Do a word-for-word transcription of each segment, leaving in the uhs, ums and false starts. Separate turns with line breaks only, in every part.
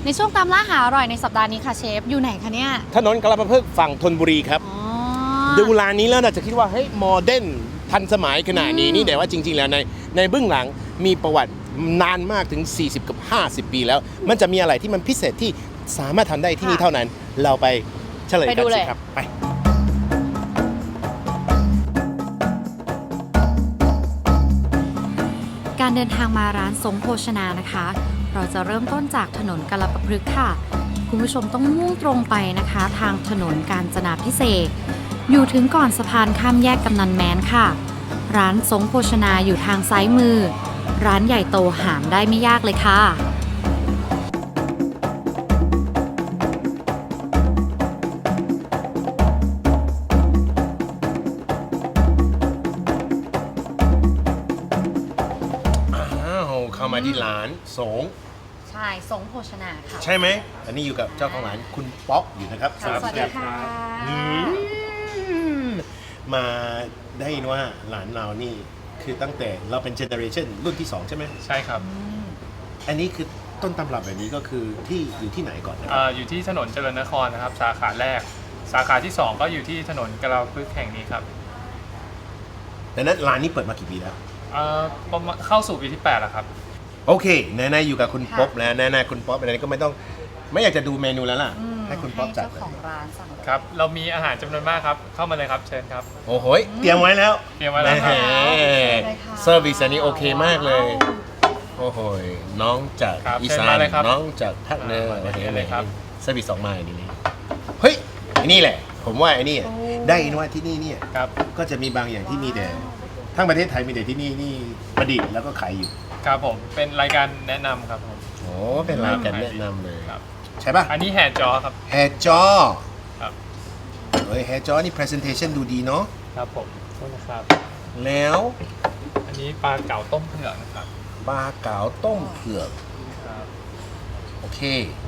ในช่วงตามล่าหาอร่อยในสัปดาห์นี้ค่ะเชฟอยู่ไหนคะเนี่ย
ถนนกาลาปะพึกษ์ฝั่งธนบุรีครับดูร้านนี้แล้วเราจะคิดว่าเฮ้ยโมเดิร์นทันสมัยขนาดนี้นี่แต่ว่าจริงๆแล้วในในเบื้องหลังมีประวัตินานมากถึงสี่สิบกับห้าสิบปีแล้วมันจะมีอะไรที่มันพิเศษที่สามารถทำได้ที่นี่เท่านั้นเราไปเฉลยกันสิครับไป
การเดินทางมาร้านสงโภชนานะคะเราจะเริ่มต้นจากถนนกาลปะพฤกษ์ค่ะคุณผู้ชมต้องมุ่งตรงไปนะคะทางถนนกาญจนาภิเษกอยู่ถึงก่อนสะพานข้ามแยกกำนันแม้นค่ะร้านสงโภชนาอยู่ทางซ้ายมือร้านใหญ่โตหามได้ไม่ยากเลยค่ะ
เข้ามาที่ร้านสง
ใช่สงโภชนาค่ะ
ใช่ไหมอันนี้อยู่กับเจ้าของร้านคุณป๊อกอยู่นะครับ
สวัสดีค่ะ
มาได้ยินว่าร้านเรานี่คือตั้งแต่เราเป็นเจเนอเรชันรุ่นที่สองใช่ไหม
ใช่ครับ
อันนี้คือต้นตำรับแบบนี้ก็คือที่อยู่ที่ไหนก่อนนะ
ออยู่ที่ถนนเจริญนครนะครับสาขาแรกสาขาที่สองก็อยู่ที่ถนนกาลาปะพฤกษ์แห่งนี้ครับ
ดังนั้นร้านนี้เปิดมากี่ปีแล้ว
ประมาณเข้าสู่ปีที่แปดแล้วครับ
โอเคแน่ๆอยู่กับคุณป๊อปแล้วแน่ๆคุณป๊อปอันนี้ก็ไม่ต้องไม่อยากจะดูเมนูแล้วล่ะให้คุณป๊อปจัด
เจ้าของร้านสั่ง
ครับเรามีอาหารจำนวนมากครับเข้ามาเลยครับเชิญครับ
โอ้โหเตรียมไว้แล้ว
เตรียมไว้แล้วครับ
เซอร์วิสอันนี้โอเคมากเลยโอ้โหน้องจากอีสานน้องจากภาคเหนืออะไรอะไรครับเซอร์วิสสองมาอย่างนี้เฮ้ยนี่แหละผมว่าไอ้นี่ได้อินว่าที่นี่เนี่ยก็จะมีบางอย่างที่มีแต่ทั้งประเทศไทยมีแต่ที่นี่นี่ประดิษฐ์แล้วก็ขายอยู่
ครับผมเป็นรายการแนะนำครับผม
โอ้เป็นรายการแนะนำเลยใช่ป่ะ
อันนี้แฮร์จอครับ
แฮร์จอครับเฮ้ยแฮร์จอนี่ presentation ดูดีเนาะ
ครับผมโทษนะครับ
แล้ว
อันนี้ปลาเก๋าต้มเผือกนะครับ
ปลาเก๋าต้มเผือก
ครับ
โอเค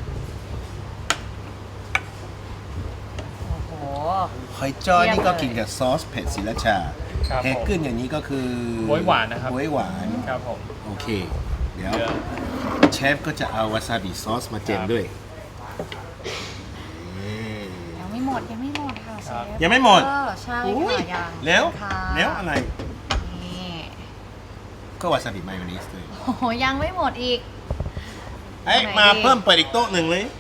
โอ้โห
หอยจ้อนี่ก็กินกับซอสเผ็ดศิลาชาแฮกเกิลอย่างนี้ก็คือบ
วยหวานนะครับ
บวยหวาน
ครับผม
โอเคเดี๋ยวเชฟก็จะเอาวาซาบิซอสมาเจมด้วย
ยังไม่หมดยังไม่หมดค่ะเชฟ
ยังไม่หมด
ใช่ค่ะยัง
แล้วแล้วอะไรก็วาซาบิมายองเนสด้วย
โอ้โหยังไม่หมดอีก
เอ้ยมาเพิ่มเปิดอีกโต๊ะหนึ่งเลย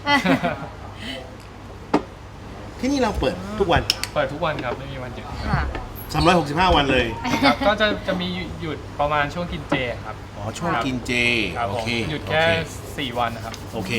ที่นี่เราเปิดทุกวัน
เปิดทุกวันครับไม่มีวันหยุด
ค่ะ
สามร้อยหกสิบห้าวันเลย
ครับก็จะจะมีหยุดประมาณช่วงกินเจครับ
อ๋อช่วงกินเจ
โอเคหยุดแค่สี่วันนะครับ
โอเค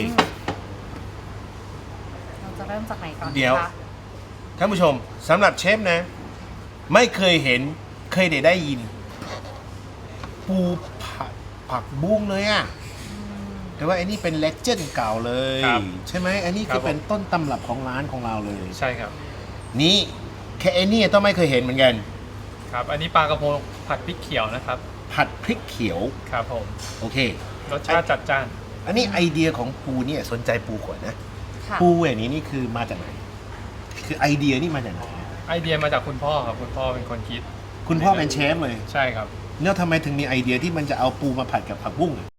เราจะเริ่มจากไหนก่อน
เดี๋ยวท่านผู้ชมสำหรับเชฟนะไม่เคยเห็นเคยได้ได้ยินปูผัดผักบุ้งเลยอ่ะแต่ว่าไอ้นี่เป็นเลเจนด์เก่าเลยใช่ไหมไอ้นี่คือเป็นต้นตำรับของร้านของเราเลย
ใช่ครับ
นี่แค่ไอ้นี่ต้องไม่เคยเห็นเหมือนกัน
ครับอันนี้ปลากระพงผัดพริกเขียวนะครับ
ผัดพริกเขียว
ครับผม
โอเค
รสชาติจัดจ้าน
อันนี้ไอเดียของปูเนี่ยสนใจปูก่อนนะปูอย่างนี้นี่คือมาจากไหนคือไอเดียนี่มาจากไหน
ไอเดียมาจากคุณพ่อครับคุณพ่อเป็นคนคิด
คุณพ่อเป็นเชฟเลย
ใช่ครับ
แล้วทำไมถึงมีไอเดียที่มันจะเอาปูมาผัดกับผักบุ้ง